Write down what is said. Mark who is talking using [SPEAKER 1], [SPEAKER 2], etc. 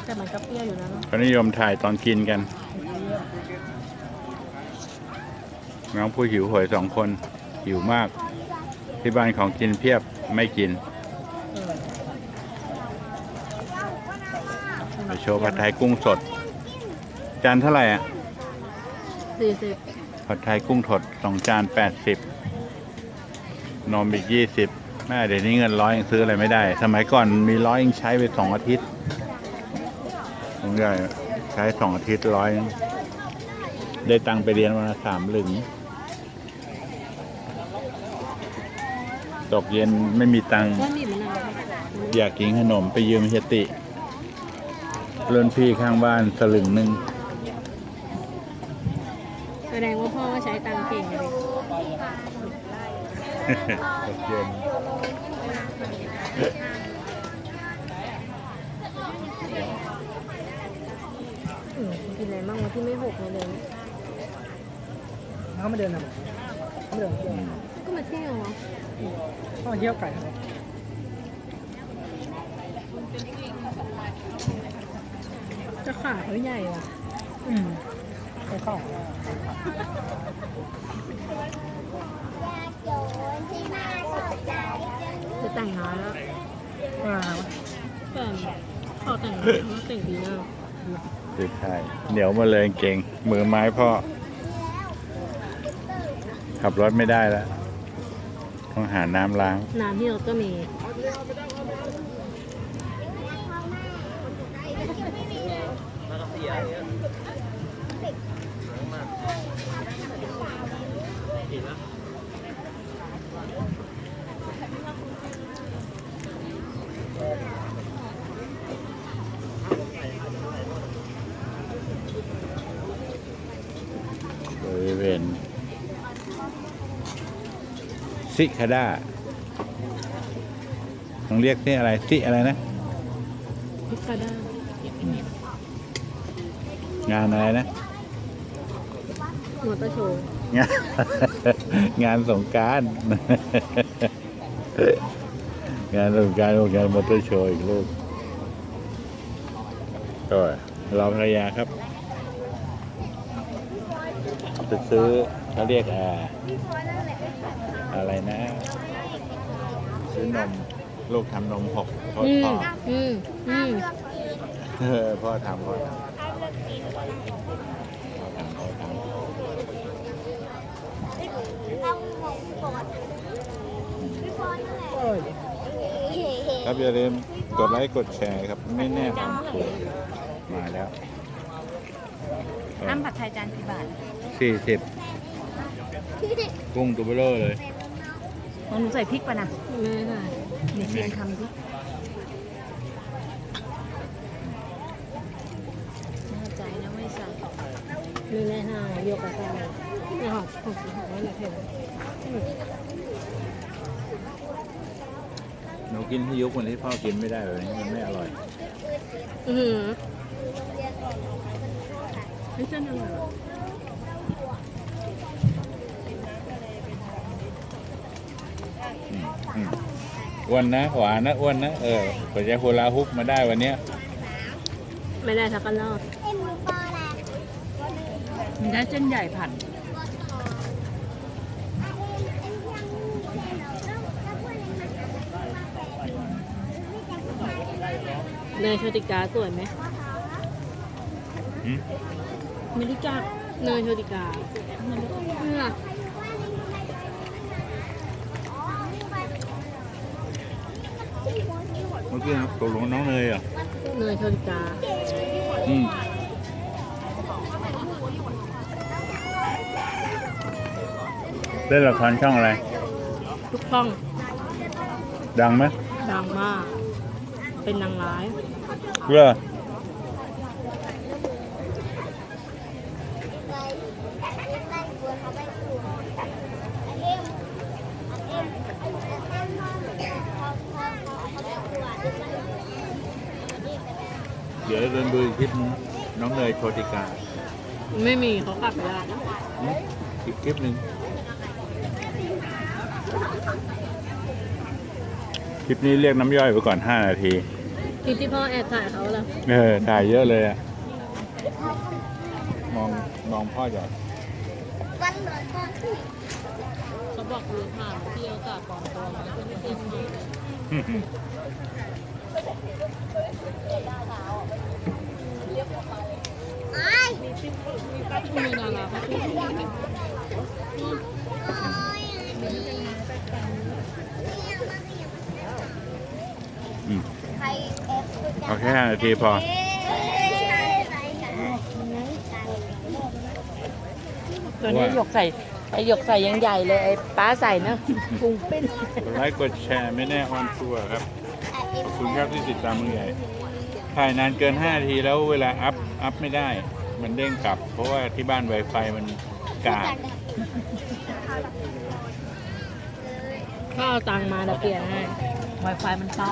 [SPEAKER 1] แต่มันก็เปรี้ยวอยู่นะเนาะ
[SPEAKER 2] เขานิยมถ่ายตอนกินกันน้องผู้หิวโหย2 คนหิวมากที่บ้านของกินเพียบไม่กินไปโชว์ผัดไทยกุ้งสดจานเท่าไหร่อ่ะ
[SPEAKER 1] 40
[SPEAKER 2] ผัดไทยกุ้งสด2 จาน80นมอีก20แม่เดี๋ยวนี้เงิน100ยังซื้ออะไรไม่ได้สมัยก่อนมี100ยังใช้ไป2 อาทิตย์ผมใหญ่ใช้2 อาทิตย์100ได้ตังค์ไปเรียนวันละ3 หลึงตกเย็นไม่มีตังค์
[SPEAKER 1] ก็นี่มันอะไร
[SPEAKER 2] อยากกินขนมไปยืมเฮยติเพื่อนพี่ข้างบ้าน1 สลึง
[SPEAKER 1] แสดงว่าพ่อก็ใช้ตังค์เก่งเลย
[SPEAKER 2] ตกเย็น
[SPEAKER 1] กินอะไรบ้างวะที่ไม่หกเลย
[SPEAKER 3] น้ำมาเดินนะไม่เดิน
[SPEAKER 1] ก็มาเที่ยวเหรอ
[SPEAKER 3] ต้องมาเที่ยวไก่ครับ
[SPEAKER 1] จะขาเขาใหญ่ว่ะ
[SPEAKER 3] ไปเข้า
[SPEAKER 1] จะแต่งงานแล้ว แต่ขอแต่งงานเขาแต่งปีหน้า
[SPEAKER 2] คือใช่เหนียวมาเลยเก่งมือไม้พ่อขับรถไม่ได้แล้วต้องหาน้ำล้าง
[SPEAKER 1] น้ำที่เราก็มี
[SPEAKER 2] บริเวณซิคาด้าต้องเรียกที่อะไรซิอะไรนะ
[SPEAKER 1] พิกาด้าง
[SPEAKER 2] านอะไรนะ
[SPEAKER 1] มอเตอร์โชว์
[SPEAKER 2] งาน งานสงกรานต์ งานสงกรานต์งานมอเตอร์โชว์อีกลูกก็รอภรรยาครับจะซื้อเขาเรียกอะไรนะ ซื้อนมลูกทำนม6พ่อพ่อ พ่อทำพ่อทำครับอย่าลืมกดไลค์กดแชร์ครับไม่แน่ความถูกมาแล้ว
[SPEAKER 1] น้ำผัดไทยจานกี่บาท
[SPEAKER 2] 40กุ้งตัวเบลอเลย
[SPEAKER 1] ของหนูใส่พริกป่ะนะไม่ใส่เดี๋ยวเชียนทำดิแน่ใจนะไม่ใส่ไม่แน่ฮะโยกกระซ่าไม่หอกไม่หนักเห็น
[SPEAKER 2] หนูกินที่ยุคคนที่พ่อกินไม่ได้แบบนี้มันไม่อร่อย
[SPEAKER 1] ไม่เส้นอร่อย
[SPEAKER 2] อ้วนนะหวานนะอ้วนนะกว่าจะโฮลาฮุปมาได้วันเนี้ย
[SPEAKER 1] ไม่ได้สักรอบมันได้เส้นใหญ่ผัดเนยโชติกาสวยไหมไม่รู้จักเนยโชติกาเนี่ย
[SPEAKER 2] เมื่อกี้ตกลงน้องเนยเหรอ
[SPEAKER 1] เนยโชติกา
[SPEAKER 2] เล่นละครช่องอะไร
[SPEAKER 1] ทุกช่อง
[SPEAKER 2] ดังไหม
[SPEAKER 1] ดังมาก เป็นนางร้าย
[SPEAKER 2] เหรอเดี๋ยวเดินดูอีกคลิปนึงน้องเนยโชติกา
[SPEAKER 1] ไม่มีเขากลับไปแล้ว
[SPEAKER 2] อีกคลิปหนึ่งคลิปนี้เรียกน้ำย่อยไปก่อน5 นาที
[SPEAKER 1] คลิปที่พ่อแอบถ่ายเขาแล้ว
[SPEAKER 2] ถ่ายเยอะเลยอะมองพ่อจาก
[SPEAKER 1] เขาบอกคือผ่านเที่ยวจากปลอมตัวมาคือไม่จริงมีนาราเขาพูด
[SPEAKER 2] เอาแค่5 นาทีพอ
[SPEAKER 3] ตัวนี้หยกใส่ไอหยกใส่ยังใหญ่เลยไอป้าใส่เนอะพุงปิ้น
[SPEAKER 2] กดไลค์กดแชร์ไม่แน่ออนทัวร์ครับ ขอบคุณครับที่ติดตามมือใหญ่ ถ่ายนานเกิน5 นาทีแล้วเวลาอัพไม่ได้ มันเด้งกลับ เพราะว่าที่บ้าน Wi-Fi มันกาก
[SPEAKER 1] ข้าวตังมาเดี๋ยวเปลี่ยนให้
[SPEAKER 3] Wi-Fi มันเต้า